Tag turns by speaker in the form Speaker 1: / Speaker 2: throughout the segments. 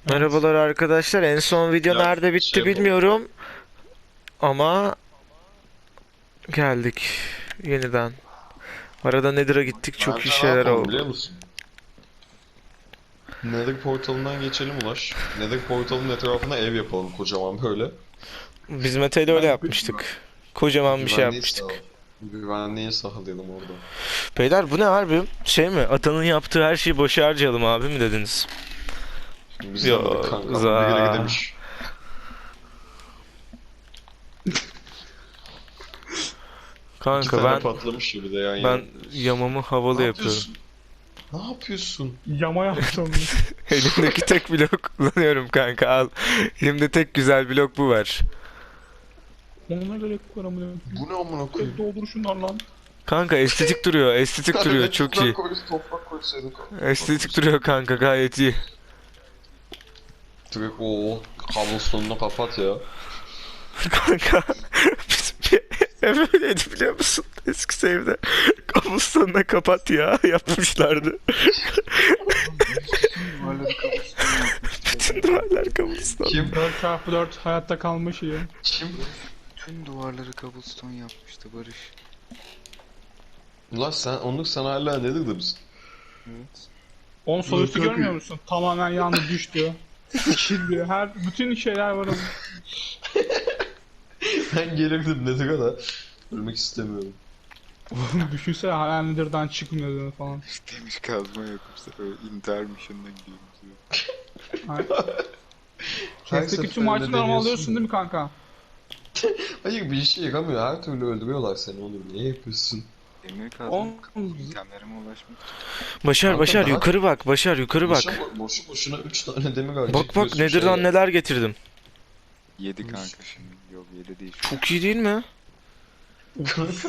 Speaker 1: Evet.
Speaker 2: Merhabalar arkadaşlar. En son video
Speaker 3: Ya
Speaker 2: nerede bitti
Speaker 3: yapalım.
Speaker 2: bilmiyorum ama geldik yeniden. Arada Nether'a gittik. Çok iyi
Speaker 3: Bence ne
Speaker 2: şeyler
Speaker 3: yapalım biliyor
Speaker 2: oldu.
Speaker 3: musun? Nether portalından geçelim Ulaş. Nether portalının etrafına ev yapalım kocaman böyle.
Speaker 2: Biz Mete'yle öyle
Speaker 1: Ben
Speaker 2: yapmıştık. Kocaman bir şey
Speaker 3: Güvenliği
Speaker 2: yapmıştık.
Speaker 3: sağ Güvenliği sağlayalım orada.
Speaker 2: Beyler bu ne harbi? Şey mi? Atanın yaptığı her şeyi boşa harcayalım abi mi dediniz?
Speaker 3: Biz demedik
Speaker 2: Yo,
Speaker 3: kanka ama birileri
Speaker 2: za.
Speaker 3: demiş. İki
Speaker 2: Kanka
Speaker 3: tane
Speaker 2: ben
Speaker 3: patlamış gibi de yan yana.
Speaker 2: ben yamamı havalı
Speaker 3: Ne
Speaker 2: yapıyorum.
Speaker 3: yapıyorsun? Ne yapıyorsun?
Speaker 1: yama yaptım.
Speaker 2: Elimdeki tek blok kullanıyorum kanka al. Elimde tek güzel blok bu var.
Speaker 1: Ona gerek var amına.
Speaker 3: Bu ne amına koyayım?
Speaker 1: Doldur şunlar lan.
Speaker 2: Kanka estetik duruyor, estetik duruyor.
Speaker 3: Kanka
Speaker 2: Çok iyi.
Speaker 3: toprak koysaydık.
Speaker 2: Estetik duruyor kanka gayet iyi.
Speaker 3: Direkt o kablostone'unu kapat ya.
Speaker 2: Kanka bizim bir ev öyleydi biliyor musun? Eski save'de. Kamuslarına kapat ya yapmışlardı. Bütün duvarlar kamustan.
Speaker 3: Kim?
Speaker 1: 4x4 hayatta kalma şeyi.
Speaker 3: Kim?
Speaker 4: Tüm duvarları cobblestone yapmıştı Barış.
Speaker 3: Ulan sen hala nedir de biz?
Speaker 4: Evet.
Speaker 1: Onun sol üstü
Speaker 3: Yok, yok.
Speaker 1: görmüyor musun? Tamamen yandı düştü. Sikildi. Bütün şeyler var ama.
Speaker 3: Ben gelirdim nedir da. Ölmek istemiyorum.
Speaker 1: Oğlum düşünsene hala Nether'dan çıkmıyordun falan.
Speaker 4: Demir kazma yok bu sefer. İntihar mission'ına gidiyoruz.
Speaker 1: Chest'teki tüm
Speaker 3: seferinde
Speaker 1: item'ları
Speaker 3: deniyorsun
Speaker 1: alıyorsun
Speaker 3: ya.
Speaker 1: değil mi kanka?
Speaker 3: Hayır bir işe yaramıyor. Her türlü öldürüyorlar seni onu. Niye yapıyorsun?
Speaker 4: Demir kazma
Speaker 1: On-
Speaker 4: itemlerime ulaşmak için.
Speaker 2: Başar
Speaker 3: Kanka
Speaker 2: Başar
Speaker 3: daha-
Speaker 2: yukarı bak Başar yukarı bak.
Speaker 3: Boşu boşuna 3 tane demir harcayıp
Speaker 2: Bak bak
Speaker 3: diyorsun
Speaker 2: Nether'dan
Speaker 3: şeye.
Speaker 2: neler getirdim.
Speaker 4: 7 kanka şimdi. Yok 7 değil.
Speaker 2: Çok iyi değil mi?
Speaker 3: Kanka.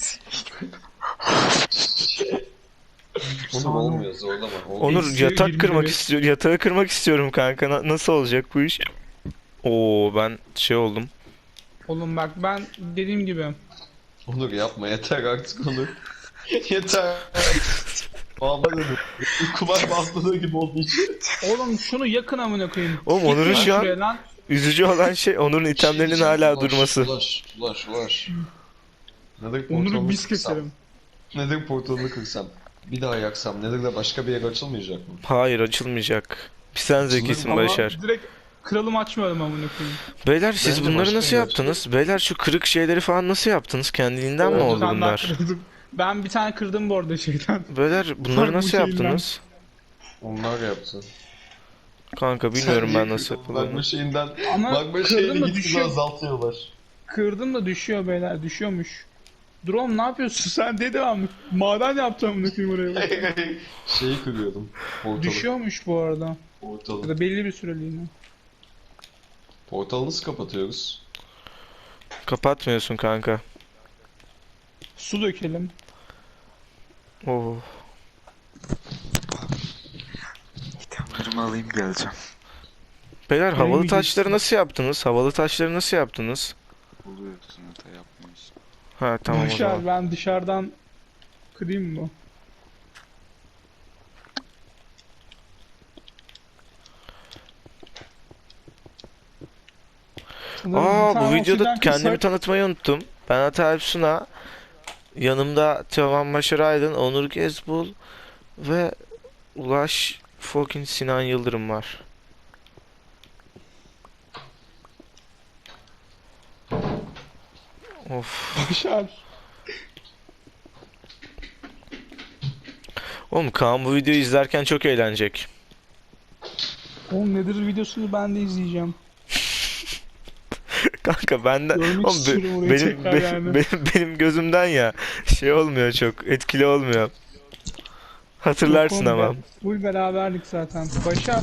Speaker 3: Onu olmuyor zorlama. Olmuyor.
Speaker 2: Onur
Speaker 1: Eksi
Speaker 2: yatak
Speaker 1: 20
Speaker 2: kırmak
Speaker 1: mi?
Speaker 2: istiyor. Yatağı kırmak istiyorum kanka. Nasıl olacak bu iş? Oo ben şey oldum.
Speaker 1: Oğlum bak ben dediğim gibi.
Speaker 3: Onur yapma yeter artık Onur. Yeter. Vallahi kumar bastırdığı gibi oldu hiç.
Speaker 1: Oğlum şunu yakın amına koyayım.
Speaker 2: Oğlum Onur'un
Speaker 1: Gitme
Speaker 2: şu an
Speaker 1: şuraya lan.
Speaker 2: üzücü olan şey Onur'un itemlerinin hala durması.
Speaker 3: Ulaş. Neden
Speaker 1: Onur'u
Speaker 3: portalını
Speaker 1: biz
Speaker 3: kırsam?
Speaker 1: keselim.
Speaker 3: Neden portalını kırsam? Bir daha yaksam neden de başka bir yer açılmayacak mı?
Speaker 2: Hayır açılmayacak. Bir sen zekisin
Speaker 1: Ama
Speaker 2: Başar.
Speaker 1: direkt kralım açmıyorum amına koyayım.
Speaker 2: Beyler siz
Speaker 3: Bence
Speaker 2: bunları
Speaker 3: başka
Speaker 2: nasıl
Speaker 3: bir
Speaker 2: yaptınız? Beyler şu kırık şeyleri falan nasıl yaptınız? Kendiliğinden mi
Speaker 3: Oldu,
Speaker 2: oldu
Speaker 1: Ben daha
Speaker 2: bunlar?
Speaker 1: kırdım. Ben bir tane kırdım bu arada şeyden.
Speaker 2: Beyler bunları
Speaker 1: Bak bu
Speaker 2: nasıl
Speaker 1: şeyinden.
Speaker 2: yaptınız?
Speaker 3: Onlar yapsın.
Speaker 2: Kanka bilmiyorum ben nasıl yapıldığını.
Speaker 3: Magma şeyinden
Speaker 1: Ama
Speaker 3: magma
Speaker 1: kırdım
Speaker 3: şeyini
Speaker 1: da
Speaker 3: gitgide
Speaker 1: düşüyor.
Speaker 3: azaltıyorlar.
Speaker 1: Kırdım da düşüyor beyler düşüyormuş. Drone ne yapıyorsun sen de devam. Maden yaptım amına koyayım oraya. bak.
Speaker 3: Şeyi kırıyordum. Portalı.
Speaker 1: Düşüyormuş bu arada. Ya
Speaker 3: Portalı.
Speaker 1: da belli bir süreliğine.
Speaker 3: Portalı nasıl kapatıyoruz?
Speaker 2: Kapatmıyorsun kanka.
Speaker 1: Su dökelim.
Speaker 2: Oo.
Speaker 4: İtemlerimi alayım geleceğim.
Speaker 2: Beyler havalı
Speaker 1: yiyeceksin.
Speaker 2: taşları nasıl yaptınız? Havalı taşları nasıl yaptınız?
Speaker 4: Buluyorsun hata yapmıyorsun.
Speaker 2: Ha tamam o
Speaker 1: Başar
Speaker 2: zaman.
Speaker 1: ben dışarıdan kırayım mı? Sanırım bir
Speaker 2: Aa bu
Speaker 1: tane
Speaker 2: videoda
Speaker 1: obsidyen
Speaker 2: kendimi
Speaker 1: kırsak-
Speaker 2: tanıtmayı unuttum. Ben Ata Suna. Yanımda Teoman Başar Aydın, Onur Gezbul ve Ulaş fucking Sinan Yıldırım var. Of.
Speaker 1: Başar.
Speaker 2: Oğlum Kaan bu videoyu izlerken çok eğlenecek.
Speaker 1: Oğlum nedir videosunu ben de izleyeceğim.
Speaker 2: Kanka benden
Speaker 1: Görmek
Speaker 2: oğlum,
Speaker 1: istiyorum orayı tekrar yani.
Speaker 2: benim gözümden ya şey olmuyor çok etkili olmuyor. Hatırlarsın
Speaker 1: Yok oğlum,
Speaker 2: ama.
Speaker 1: Full beraberlik zaten. Başar.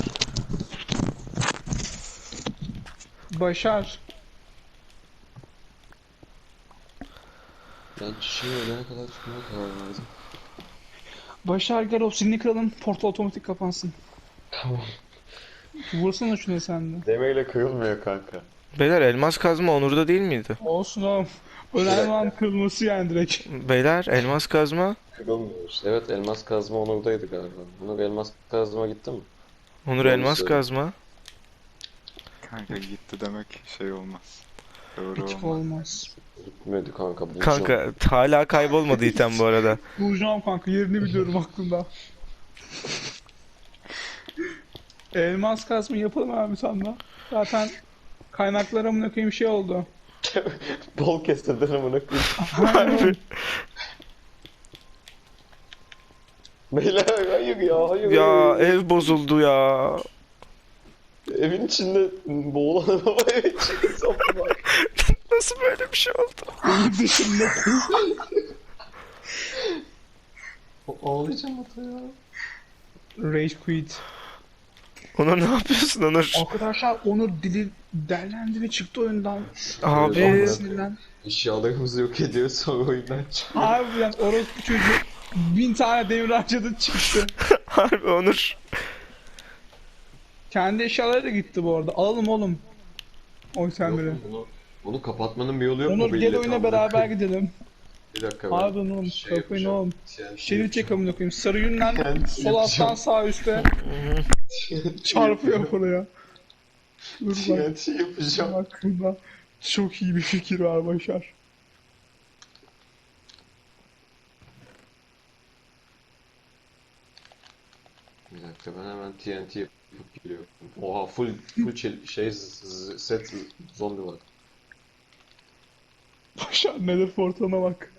Speaker 1: Başar.
Speaker 3: Ben çiçeği ölene kadar tutmaya karar verdim.
Speaker 1: Başar gel obsidini kıralım. Portal otomatik kapansın.
Speaker 3: Tamam.
Speaker 1: Vursana şuna sen de.
Speaker 3: Demeyle kırılmıyor kanka.
Speaker 2: Beyler elmas kazma Onur'da değil miydi?
Speaker 1: Olsun oğlum. Önemli olan kırılması yani direkt.
Speaker 2: Beyler elmas kazma.
Speaker 3: Kırılmıyoruz. Evet elmas kazma Onur'daydı galiba. Onur elmas kazma gitti mi?
Speaker 2: Onur
Speaker 3: Doğru
Speaker 2: elmas
Speaker 3: söylüyor.
Speaker 2: kazma.
Speaker 4: Kanka gitti demek şey olmaz. Doğru
Speaker 1: Hiç
Speaker 4: olmaz.
Speaker 1: olmaz.
Speaker 3: Gitmedi kanka bulacağım.
Speaker 2: Kanka hala kaybolmadı item bu arada.
Speaker 1: Bulacağım kanka, yerini biliyorum aklımda. Elmas kazma yapalım abi sanda. Zaten kaynaklara amına koyayım şey oldu.
Speaker 3: Bol kestirden amına koyayım.
Speaker 1: Aynen.
Speaker 3: Beyler hayır ya hayır.
Speaker 2: Ya
Speaker 3: hayır.
Speaker 2: ev bozuldu ya.
Speaker 3: Evin içinde boğulan araba evin içinde sapı var.
Speaker 2: Nasıl böyle bir şey oldu?
Speaker 1: Benim dışımda.
Speaker 3: Ağlayacağım ata ya.
Speaker 1: Rage quit.
Speaker 2: Onur ne yapıyorsun Onur?
Speaker 1: Arkadaşlar Onur dili derlendi ve çıktı oyundan.
Speaker 2: Abi
Speaker 3: Evet.
Speaker 1: Sinirlen.
Speaker 3: Eşyalarımızı yok ediyor sonra oyundan çıkıyor.
Speaker 1: Harbiden orospu çocuğu 1000 tane demir harcadı çıktı.
Speaker 2: harbi Onur.
Speaker 1: Kendi eşyaları da gitti bu arada. Alalım oğlum. Oy sen biri.
Speaker 3: Bunu kapatmanın bir yolu yok mu?
Speaker 1: Onur
Speaker 3: bu
Speaker 1: gel
Speaker 3: illeti
Speaker 1: oyuna
Speaker 3: amına
Speaker 1: beraber
Speaker 3: koyayım?
Speaker 1: gidelim.
Speaker 3: Bir dakika ben
Speaker 1: Harbiden oğlum.
Speaker 3: şey
Speaker 1: Kapayın
Speaker 3: yapacağım.
Speaker 1: oğlum.
Speaker 3: TNT
Speaker 1: Şerit çek
Speaker 3: yapacağım.
Speaker 1: amına koyayım. Sarı yünden
Speaker 3: TNT
Speaker 1: sol alttan
Speaker 3: yapacağım.
Speaker 1: sağ üstte çarpıyor oraya. Dur bak.
Speaker 3: TNT yapacağım.
Speaker 1: Aklımda çok iyi bir fikir var Başar.
Speaker 3: Bir dakika ben hemen TNT yapıp geliyorum. Oha full set zombi var.
Speaker 1: Başar nedir portana bak.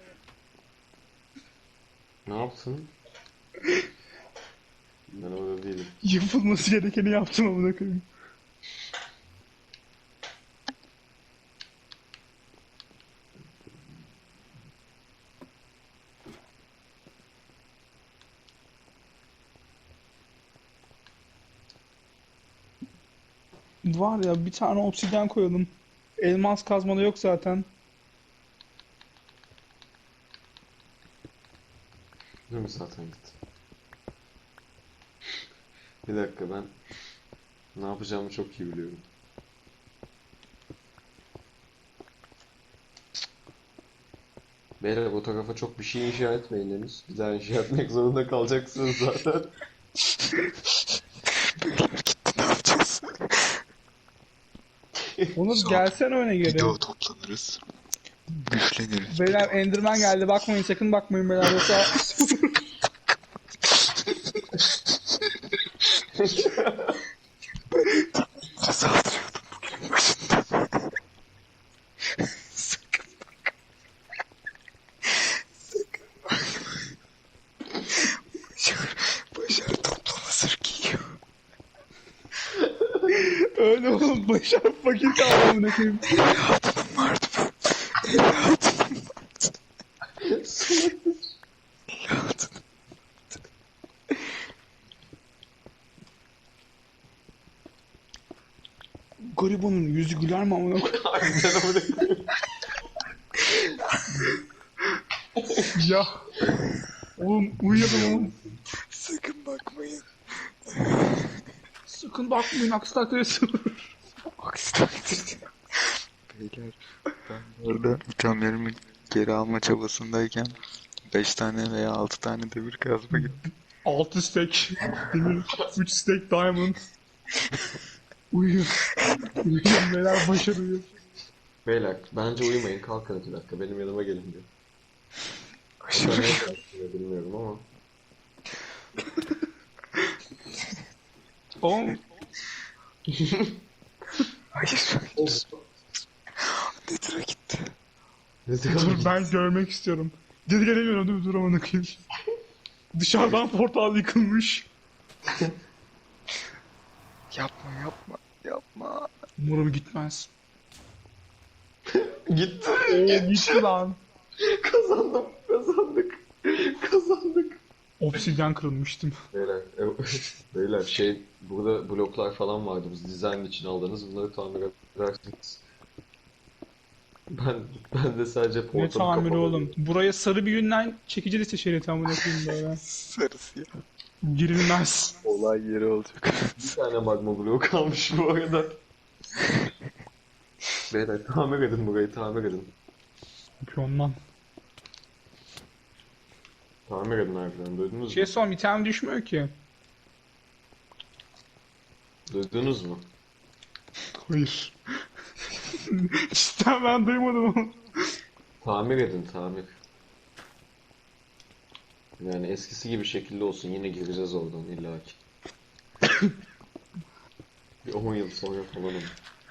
Speaker 3: Ne yaptın? Ben orada değilim.
Speaker 1: Yapılması gerekeni yaptım amına koyayım. Var ya bir tane obsidyen koyalım. Elmas kazmada yok zaten.
Speaker 3: Değil mi zaten git. Bir dakika ben ne yapacağımı çok iyi biliyorum. Beyler o tarafa çok bir şey inşa etmeyin henüz. Bir daha inşa etmek zorunda kalacaksınız zaten.
Speaker 4: Ne yapacağız?
Speaker 1: Onur
Speaker 4: Sonra
Speaker 1: gelsene öne
Speaker 4: Bir
Speaker 1: geri.
Speaker 4: daha toplanırız. Güçleniriz.
Speaker 1: Beyler Enderman geldi, bakmayın sakın bakmayın beyler yoksa
Speaker 4: Saldırıyordum bugünün başında. Sakın bak. Sakın bak. Başar toplama sır giyiyor.
Speaker 1: öyle oğlum. Başar fakir kaldı amına koyayım.
Speaker 4: Evladının vardı bu. Evladının vardı. Evladının.
Speaker 1: Garibanın yüzü güler mi amına koyayım?
Speaker 3: Harbiden amına koyayım.
Speaker 1: Ya. Oğlum uyuyalım oğlum.
Speaker 4: Sakın bakmayın.
Speaker 1: Sakın bakmayın aksi takdirde sığır.
Speaker 4: Aksi takdirde. Beyler ben orada itemlerimi geri alma çabasındayken 5 tane veya 6 tane demir kazma gittim.
Speaker 1: 6 stack demir, 3 stack diamond. Uyuyun. Uyuyun beyler, Başar uyuyor.
Speaker 3: Beyler bence uyumayın kalkın 2 dakika benim yanıma gelin diyor.
Speaker 4: Aşağı
Speaker 3: Ne yaptığını bilmiyorum ama.
Speaker 1: Oğlum
Speaker 4: hayır. Nether'a gitti.
Speaker 1: dur ben görmek istiyorum. Geri gelemiyorum değil mi? Dur amına koyayım. Dışarıdan portal yıkılmış.
Speaker 4: Yapma yapma yapma.
Speaker 1: Umarım gitmez.
Speaker 3: Gitti.
Speaker 1: Oo gitti lan.
Speaker 3: Kazandım. Kazandık. Kazandık.
Speaker 1: Obsidyen kırılmıştım.
Speaker 3: Beyler, beyler burada bloklar falan vardı biz dizayn için aldınız bunları tamir edersiniz. Ben de sadece
Speaker 1: Ne
Speaker 3: portamı
Speaker 1: tamiri
Speaker 3: kapalı.
Speaker 1: oğlum. Buraya sarı bir yünden çekici de şeridi amına koyayım böyle.
Speaker 4: Sarısı ya.
Speaker 1: Girilmez.
Speaker 4: Olay yeri olacak.
Speaker 3: Bir tane magma bloğu kalmış bu arada. Beyler tamir edin burayı tamir edin.
Speaker 1: Yapıyorum lan.
Speaker 3: Tamir edin harbiden duydunuz mu?
Speaker 1: Şey son item düşmüyor ki.
Speaker 3: Duydunuz mu?
Speaker 1: Hayır. Cidden ben duymadım onu.
Speaker 3: Tamir edin, tamir. Yani eskisi gibi şekilde olsun, yine gireceğiz oradan illaki. Bir 10 yıl sonra falan olur.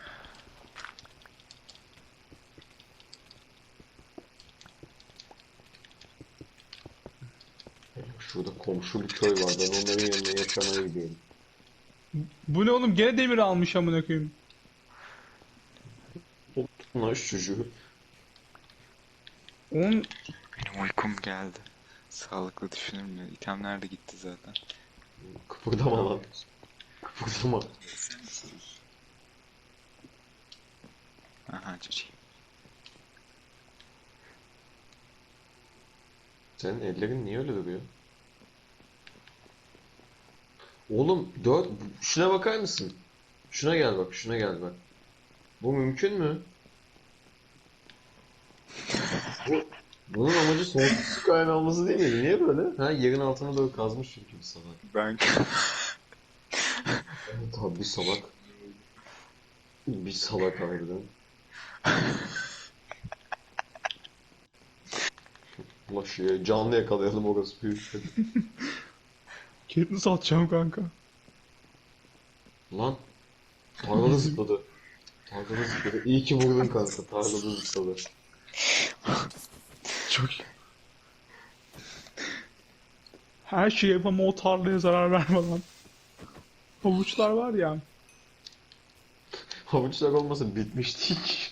Speaker 3: Şurada komşu bir köy var, ben onların yanına yaşamaya gidiyorum.
Speaker 1: Bu ne oğlum? Gene demir almış amına koyayım.
Speaker 3: Lan şu çocuğu.
Speaker 1: Onun
Speaker 4: Benim uykum geldi. Sağlıklı düşünür mü? İtemler de gitti zaten.
Speaker 3: Kıpırdama lan. Kıpırdama.
Speaker 4: Aha çocuğum.
Speaker 3: Senin ellerin niye öyle duruyor? Oğlum şuna bakar mısın? Şuna gel bak, şuna gel bak. Bu mümkün mü? Bunun amacı sonsuz su kaynağı olması değil miydi? Niye böyle? Ha, yerin altına doğru kazmış çünkü bir salak.
Speaker 4: Ben
Speaker 3: Evet abi, bir salak. Bir salak harbiden. Ulan canlı yakalayalım, orası büyük.
Speaker 1: Katniss atacağım kanka.
Speaker 3: Lan tarlada zıpladı. Tarlada zıpladı. İyi ki vurdun kanka. Tarlada zıpladı.
Speaker 1: Çok iyi. Her şeyi yapamam, o tarlaya zarar vermeden. Havuçlar var ya.
Speaker 3: Havuçlar olmasa bitmiştik.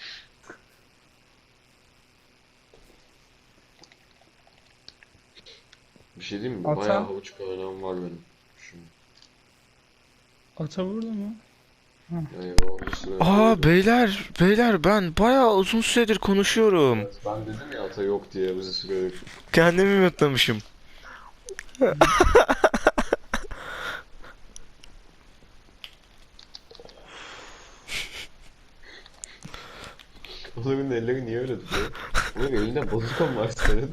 Speaker 3: Bir şey diyeyim mi?
Speaker 1: Ata.
Speaker 3: Bayağı havuç kaynağım var benim. Şimdi.
Speaker 1: Ata burada mı?
Speaker 3: Yani o bir süre
Speaker 2: Aa beyler ben bayağı uzun süredir konuşuyorum.
Speaker 3: Evet, ben dedim ya ata yok diye bizi süre.
Speaker 2: Kendimi mutlamışım.
Speaker 3: Onların elleri niye öyle duruyor? Onun elinde bazuka mı var senin?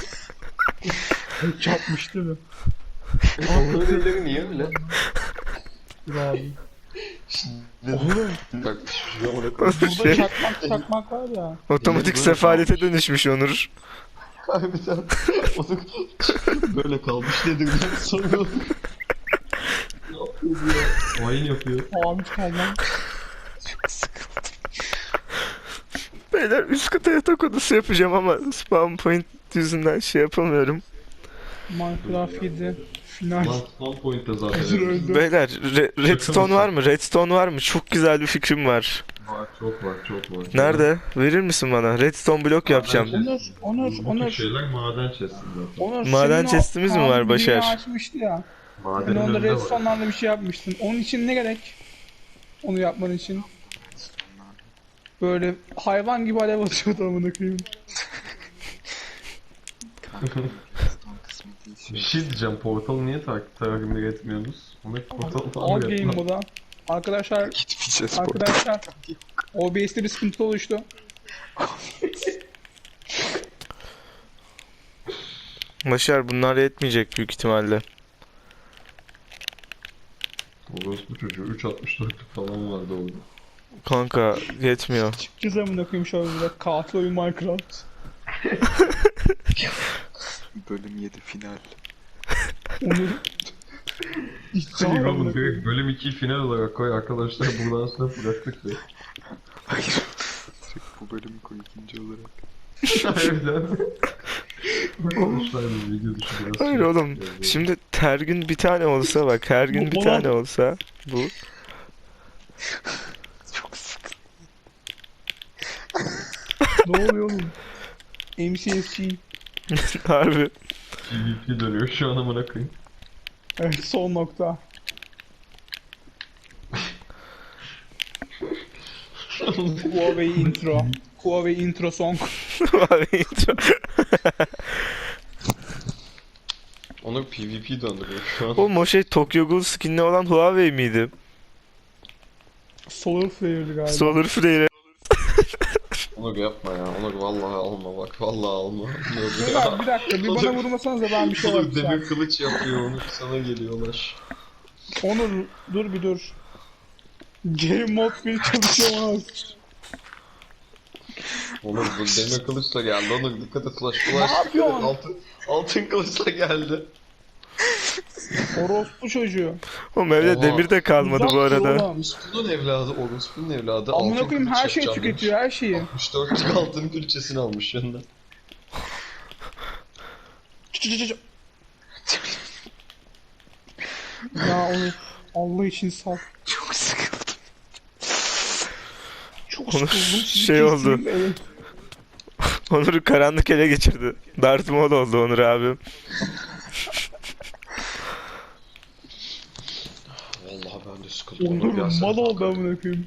Speaker 1: Çarpmış değil mi?
Speaker 3: Onların elleri niye öyle?
Speaker 1: Dur abi.
Speaker 3: Oğlum. Bak şu an ona
Speaker 1: Burada
Speaker 2: Şey,
Speaker 1: çakmak var ya.
Speaker 2: otomatik
Speaker 3: Böyle
Speaker 2: sefalete dönüşmüş Onur.
Speaker 3: harbiden. Onu böyle kalmış nedir ben sanıyorum. Ne yapıyor bu ya? Hain yapıyor.
Speaker 1: Abi kalmam.
Speaker 2: Beyler üst kata yatak odası yapacağım ama spawn point yüzünden şey yapamıyorum.
Speaker 1: Minecraft 7. Final.
Speaker 3: Lan spawn point'te zaten.
Speaker 1: Hazır öldü.
Speaker 2: Beyler redstone var mı? Redstone var mı? Çok güzel bir fikrim var.
Speaker 3: Var, çok var, çok var.
Speaker 2: Nerede? Verir misin bana? Redstone blok yapacağım.
Speaker 1: Onur.
Speaker 3: şeyler maden chest'i zaten.
Speaker 1: Onur,
Speaker 2: Maden
Speaker 1: senin o
Speaker 2: chest'imiz mi var
Speaker 1: Kaan
Speaker 2: Başar?
Speaker 1: dünya açmıştı ya. Ben
Speaker 3: Madenin
Speaker 1: onda
Speaker 3: önünde var.
Speaker 1: redstone'larla bir şey yapmıştın. Onun için ne gerek? Onu yapman için. Böyle hayvan gibi alev atıyordu amına koyayım.
Speaker 4: Son kısmı değil.
Speaker 3: Bir şey diyeceğim, portalı niye takip etmiyorsunuz? Onu portalı
Speaker 1: All
Speaker 3: tamir
Speaker 1: game
Speaker 3: et.
Speaker 1: moda. Arkadaşlar,
Speaker 4: Gitmeyeceğiz burada.
Speaker 1: arkadaşlar. OBS'te bir sıkıntı oluştu.
Speaker 2: Başar bunlar yetmeyecek büyük ihtimalle.
Speaker 3: Orospu çocuğu 3.64'lük falan vardı orada.
Speaker 2: Kanka yetmiyor.
Speaker 1: Çıkacağız amına koyayım şöyle bir katil oyun Minecraft.
Speaker 4: Bölüm 7 final.
Speaker 1: Onur. İddia amına koyayım.
Speaker 3: direkt bölüm 2'yi final olarak koy arkadaşlar, buradan sonra bıraktık ya.
Speaker 4: Hayır. Direkt bu bölümü koy ikinci olarak.
Speaker 3: Harbiden. Arkadaşlar bu video dışı biraz
Speaker 2: Hayır
Speaker 3: şey-
Speaker 2: oğlum. Şimdi her gün bir tane olsa bak her gün bir tane olsa bu.
Speaker 4: Çok sıkı.
Speaker 1: Ne oluyor oğlum? MCSG.
Speaker 2: Harbi.
Speaker 3: PvP dönüyor şu an, amına koyayım.
Speaker 1: Evet, son nokta. Huawei intro. Huawei intro song.
Speaker 3: Onu PvP döndürüyor şu an.
Speaker 2: Oğlum o şey Tokyo Ghoul skinli olan Huawei miydi?
Speaker 1: Solar Flare'dı galiba.
Speaker 2: Solar Flare.
Speaker 3: Onur yapma ya. Onur vallahi alma bak. Vallahi alma.
Speaker 1: Beyler bir dakika bir bana vurmasanız da ben bir şey
Speaker 3: Onur
Speaker 1: yapacağım.
Speaker 3: demir kılıç yapıyor. Onur sana geliyorlar.
Speaker 1: Onur dur bir dur. Game Mode 1 çalışıyor ama.
Speaker 3: Onur bu demir kılıçla geldi. Onur dikkat et Ulaş.
Speaker 1: Ne yapıyorsun?
Speaker 3: Altın kılıçla geldi.
Speaker 1: Orospu çocuğu.
Speaker 2: Oğlum evde
Speaker 3: Oha.
Speaker 2: demir de kalmadı bu
Speaker 1: Uzak dur
Speaker 2: arada.
Speaker 1: oğlum.
Speaker 3: Orospu'nun evladı. Orospu'nun evladı.
Speaker 1: Amına
Speaker 3: altın
Speaker 1: koyayım
Speaker 3: kılıç
Speaker 1: her şeyi
Speaker 3: yapacağım
Speaker 1: tüketiyor, her şeyi.
Speaker 3: demiş. 64 altın külçesini almış yanına.
Speaker 1: Ya onu Allah için sal.
Speaker 4: Çok sıkıldım.
Speaker 1: Çok
Speaker 2: Onur
Speaker 1: sıkıldım. Sizi
Speaker 2: şey oldu.
Speaker 1: keseyim, evet.
Speaker 2: Onur'u karanlık ele geçirdi. Darth Maul oldu Onur abim.
Speaker 3: Vallahi ben de sıkıldım.
Speaker 1: Onur
Speaker 3: gelsene
Speaker 1: mal oldu
Speaker 3: kanka.
Speaker 1: amına koyayım.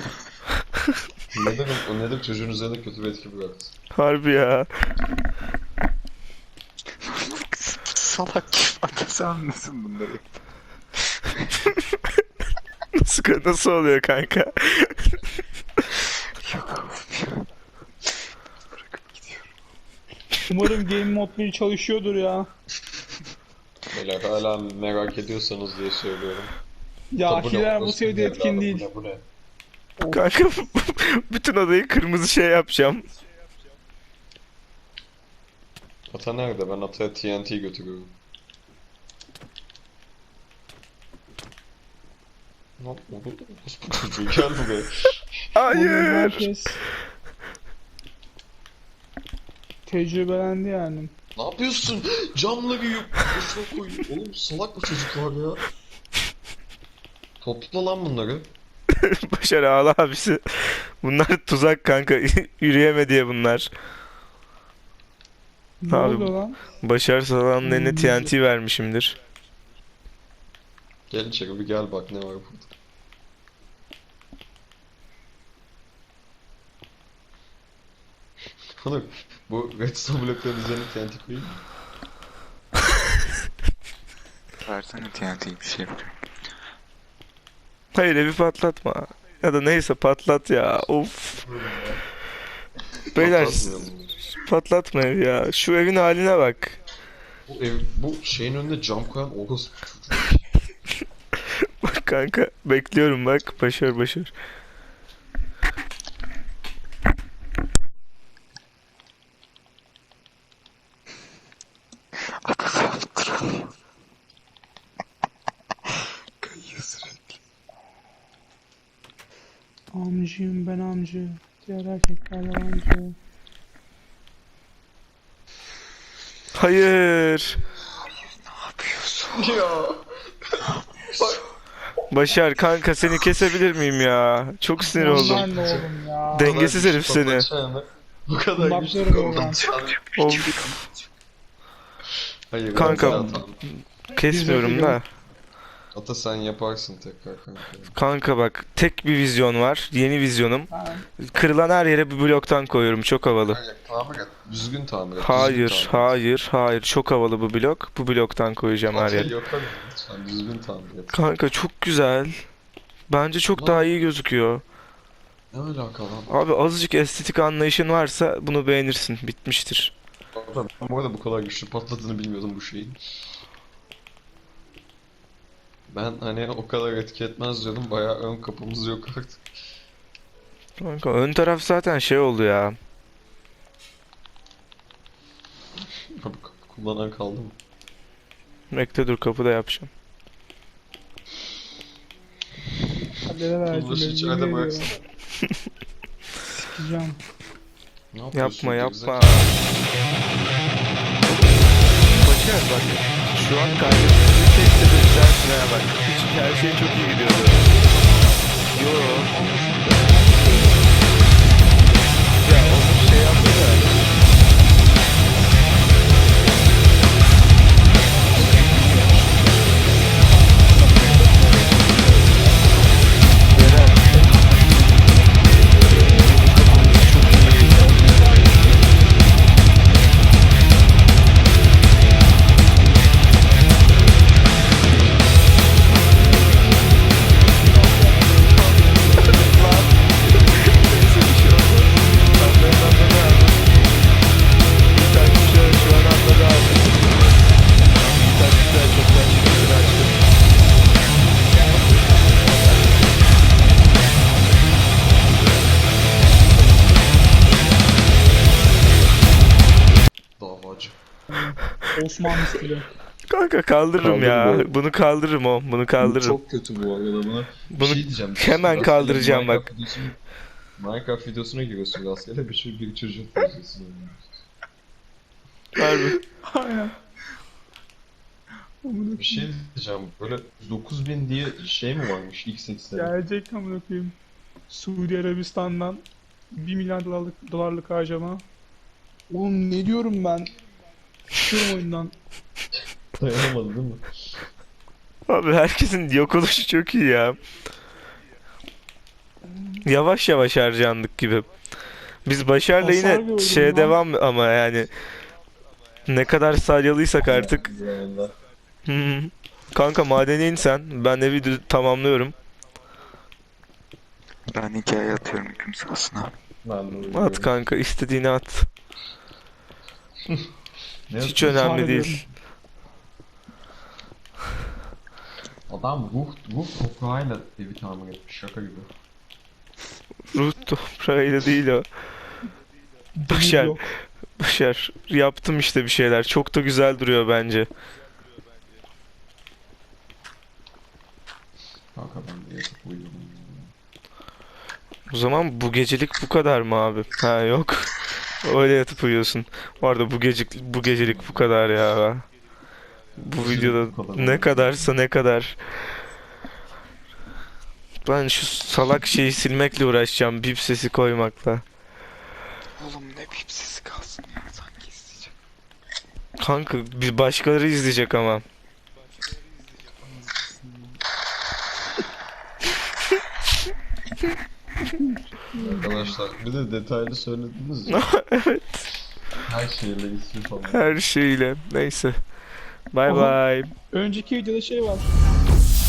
Speaker 3: Neden çocuğun üzerinde kötü bir etki bıraktı?
Speaker 2: Harbi ya.
Speaker 4: Salak kim atası anlasın bunları.
Speaker 2: Nasıl oluyor kanka?
Speaker 4: Bırakıp gidiyorum.
Speaker 1: Umarım Game Mode 1 çalışıyordur ya.
Speaker 3: Beyler hala merak ediyorsanız diye söylüyorum.
Speaker 1: Ya
Speaker 3: Tabu ne?
Speaker 1: Hiler bu
Speaker 3: Orospu
Speaker 1: seviyede
Speaker 3: evladı,
Speaker 1: etkin değil.
Speaker 3: Bu ne?
Speaker 2: Kanka bütün odayı kırmızı şey yapacağım.
Speaker 3: Ata nerede? Ben Ata'ya TNT götürüyorum. Ne yapıyor? Orospu çocuğu gel buraya.
Speaker 1: Bugün
Speaker 2: Hayır.
Speaker 1: herkes tecrübelendi yani.
Speaker 3: Ne yapıyorsun? Camları yık. Boşuna koy. Oğlum salak bu çocuklar ya. Topla lan bunları.
Speaker 2: Başar ağla abisi. Bunlar tuzak kanka. Yürüyeme diye bunlar.
Speaker 1: Ne
Speaker 2: Abi,
Speaker 1: oluyor lan?
Speaker 2: Başar Salan'ın eline TNT vermişimdir.
Speaker 3: Gel içeri bir gel bak ne var burada. Oğlum bu redstone blokların üzerine TNT koyayım mı?
Speaker 4: Versene TNT'yi bir şey yapacağım.
Speaker 2: Hayır evi patlatma. Ya da neyse patlat ya. Of. Beyler
Speaker 3: Patlatmayalım bunu.
Speaker 2: patlatma evi ya. Şu evin haline bak.
Speaker 3: Bu şeyin önüne cam koyan orospu çocuğu.
Speaker 2: Bak kanka bekliyorum bak. Başar.
Speaker 4: Atası yaptırılıyor. Kayıyor sürekli.
Speaker 1: Amcıyım ben amcı. Diğer erkekler yalancı.
Speaker 2: Hayır.
Speaker 4: Ne yapıyorsun?
Speaker 3: Ya.
Speaker 2: Başar kanka seni kesebilir miyim ya? Çok sinir oldum.
Speaker 1: Aman oğlum ya.
Speaker 2: Dengesiz herif seni.
Speaker 3: Bu kadar güçlü
Speaker 1: Bakıyorum
Speaker 3: patlatacağını.
Speaker 2: Of.
Speaker 3: Hayır.
Speaker 2: Kanka,
Speaker 3: ya, tamam.
Speaker 2: Kesmiyorum da.
Speaker 3: Ata sen yaparsın tekrar kanka.
Speaker 2: Kanka bak tek bir vizyon var. Yeni vizyonum.
Speaker 1: Ha,
Speaker 2: Kırılan her yere bir bloktan koyuyorum. Çok havalı.
Speaker 3: Hayır, tamir et. Düzgün tamir et.
Speaker 2: Hayır,
Speaker 3: düzgün tamir et.
Speaker 2: hayır. Çok havalı bu blok. Bu bloktan koyacağım her
Speaker 3: Ata
Speaker 2: yere.
Speaker 3: yaparım lütfen düzgün tamir et.
Speaker 2: Kanka çok güzel. Bence çok daha iyi gözüküyor.
Speaker 3: Ne alaka lan?
Speaker 2: Abi azıcık estetik anlayışın varsa bunu beğenirsin. Bitmiştir.
Speaker 3: Ben bu arada bu kadar güçlü patladığını bilmiyordum bu şeyin. Ben hani o kadar etki etmez diyordum. Bayağı ön kapımız yok artık.
Speaker 2: Kanka ön taraf zaten şey oldu ya.
Speaker 3: Abi kullanan kaldı mı?
Speaker 2: Bekle dur kapıda yapacağım.
Speaker 1: kadere verdim.
Speaker 3: Uğraşı
Speaker 1: Yemin
Speaker 3: içeride
Speaker 1: ediyorum.
Speaker 3: bıraksana.
Speaker 1: Sikeceğim.
Speaker 3: Ne yapıyorsun?
Speaker 2: Yapma.
Speaker 3: gerizekalı?
Speaker 2: Başar bak. Şu an kaybettiğimiz tek sebep sensin ha bak. Hiç her şey çok iyi gidiyordu. Yo. Ya onu şey yaptı da.
Speaker 1: Osmanlı stili.
Speaker 2: Kanka kaldırırım ya.
Speaker 3: Kaldırma.
Speaker 2: Bunu kaldırırım o. Bunu kaldırırım.
Speaker 3: Çok kötü bu arada buna. Bir
Speaker 2: Bunu
Speaker 3: şey diyeceğim.
Speaker 2: hemen
Speaker 3: Rastgele
Speaker 2: kaldıracağım bak.
Speaker 3: Minecraft videosuna giriyorsun rastgele bir çocuk videosunu.
Speaker 2: Harbi.
Speaker 1: Aynen. Amına
Speaker 3: Bir şey diyeceğim. Böyle 9000 diye şey mi varmış ilk 80'de?
Speaker 1: gelecek amına koyayım. Suudi Arabistan'dan 1 milyar dolarlık harcama. Oğlum ne diyorum ben? Çıkıyorum oyundan.
Speaker 3: Dayanamadı değil mi?
Speaker 2: Abi herkesin yok oluşu çok iyi ya. Yavaş yavaş harcandık gibi. Biz Başar'la
Speaker 1: Hasar
Speaker 2: yine
Speaker 1: gördüm
Speaker 2: şeye
Speaker 1: lan.
Speaker 2: devam ama yani ne kadar salyalıysak artık.
Speaker 3: Zamanında.
Speaker 2: Hı. Kanka madene in sen. Ben evi tamamlıyorum.
Speaker 4: Ben hikaye atıyorum hüküm sahasına.
Speaker 3: Ben de öyle
Speaker 2: At
Speaker 3: diyorum.
Speaker 2: kanka istediğini at.
Speaker 3: Ne
Speaker 2: Hiç
Speaker 3: yapayım?
Speaker 2: önemli
Speaker 1: Tahmin
Speaker 2: değil.
Speaker 3: Adam ruh toprağıyla evi tamir etmiş şaka gibi.
Speaker 2: Ruh toprağıyla değil o. Başar.
Speaker 1: Yok.
Speaker 2: Başar. Yaptım işte bir şeyler. Çok da güzel duruyor bence.
Speaker 3: Kanka ben de yatıp uyuyorum.
Speaker 2: O zaman bu gecelik bu kadar mı abi? Ha yok. Öyle yatıp uyuyorsun. Bu arada bu gecelik bu kadar ya. Bu
Speaker 3: Gecelik
Speaker 2: videoda
Speaker 3: bu kadar
Speaker 2: ne
Speaker 3: oldu.
Speaker 2: kadarsa ne kadar. Ben şu salak şeyi silmekle uğraşacağım. Bip sesi koymakla.
Speaker 4: Oğlum ne bip sesi kalsın ya sanki isteyecek.
Speaker 2: Kanka bir başkaları izleyecek ama.
Speaker 3: Arkadaşlar bir de detaylı söylediniz ya.
Speaker 2: Evet.
Speaker 3: Her şeyle ismi falan.
Speaker 2: Her şeyle. Neyse. Bye
Speaker 1: Aha.
Speaker 2: bye.
Speaker 1: Önceki videoda şey var.